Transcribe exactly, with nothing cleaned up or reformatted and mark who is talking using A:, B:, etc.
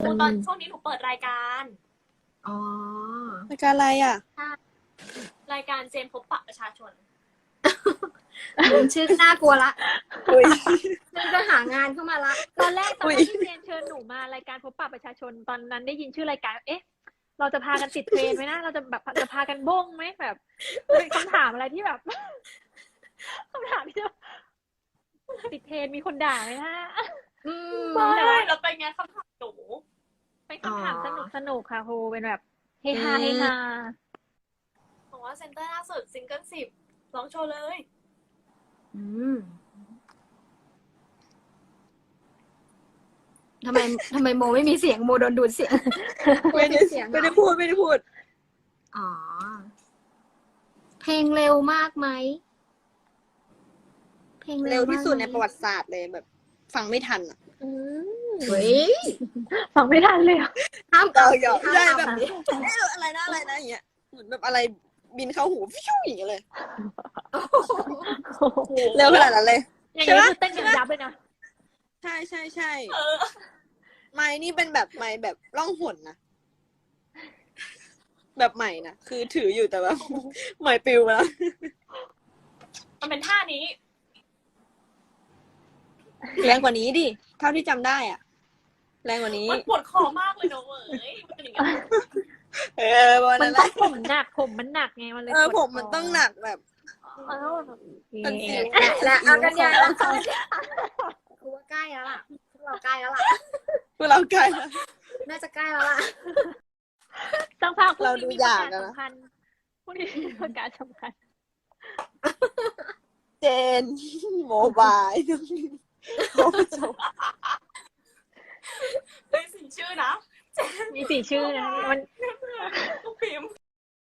A: ตอนช่วงนี้หนูเปิดรายการ
B: อ๋อ
C: รายการอะไรอ่ะ
A: รายการเจนพบปะประชาชน
B: ชื่อน่ากลัวละ
C: อุ้ย
B: ฉันจะหางานเข้ามาละ
D: ตอนแรกตอน
C: อุ๊ย
D: ที่เจนเชิญหนูมารายการพบปะประชาชนตอนนั้นได้ยินชื่อรายการเอ๊ะ เราจะพากันติดเทรนด์ไหมนะเราจะแบบจะพากันบ้งไหมแบบเป็นคำถามอะไรที่แบบ คำถามที่แบบติดเทรนด์มีคนด่าไหมนะ
B: อืม
A: ไม่แล้วเป็นไงคำถามหนู
D: เป็นคำถาม
B: อ๋อ
D: สนุกสนุกค่ะครูเป็นแบบเฮฮา
B: อืม
D: เฮฮา
A: บอกว่าเซนเตอร์ล่าสุดซิงเกิลสิบร้องโชว์เลย
B: อืมทำไมทำไมโมไม่มีเสียงโมโดนดูดเสียง
C: ไม่ได้
B: เสียงเหรอ
C: ไม่ได้พูดไม่ได้พูด
B: อ๋อ เพลงเร็วมากไหม เพลง
C: เร็วที่สุดในประ
B: วัติ
C: วัติศาสตร์เลยแบบ ฟังไม่ทันอ่ะ
B: เฮ้ย
D: ฟังไม่ทันเลยอะ
B: ห้าม
C: เรา
B: เอา
C: หยอก
B: ห้าม
C: ใช่
B: เอา
C: แบบนี้เอ๊ะอะไรนะอะไรนะอย่างเงี้ยเหมือนแบบอะไรบินเข้าหูฟิวอย่างเงี้ยเลย เร็วขนาดนั้นเลย
D: อย่าง
C: ใช่
D: นี้
C: ปะ
D: คือเต้นอย่างยับเลยนะ
C: ใช่ใช่ใช่
A: เออ
C: ไม้นี่เป็นแบบไม้แบบล่องหนนะแบบใหม่นะคือถืออยู่แต่แบบใหม่ปิวไปแล้ว
A: มันเป็นท่านี้
C: แรงกว่านี้ดิเท่าที่จำได้อ่ะ แรงกว่านี้
A: มันปวดคอมากเลยเนอะเว้ยมันเป็นอย่างเงี้ย
C: เออประมาณ
D: มัน
C: นั้นแห
D: ต้อ
C: ละ
D: งผมหนักผมมันหนักไงมันเลย
C: เออ
D: ปวด
C: ผมมันต้องหนักแบบ
D: เออ
C: มันสิว
B: และเอากันใหญ่แล้วกูว่าใกล้แล้วล่ะพวกเราใกล้แล้วล่ะ
C: พวกเราใกล้แล้ว
B: น่าจะใกล้แล้วล่ะ
D: ต้องพักพรุ่ง
C: เรา
D: นี้
C: ดู
D: มี
C: อ
D: ประ
C: ยาก
D: กาศ
C: อะนะ
D: สำคัญพรุ่งนี้มีประกาศสำคัญ
C: เจนโมบายโอ้โห
A: เฮ้ยสิชื่อนะ
D: มีสี่ชื่อนะมัน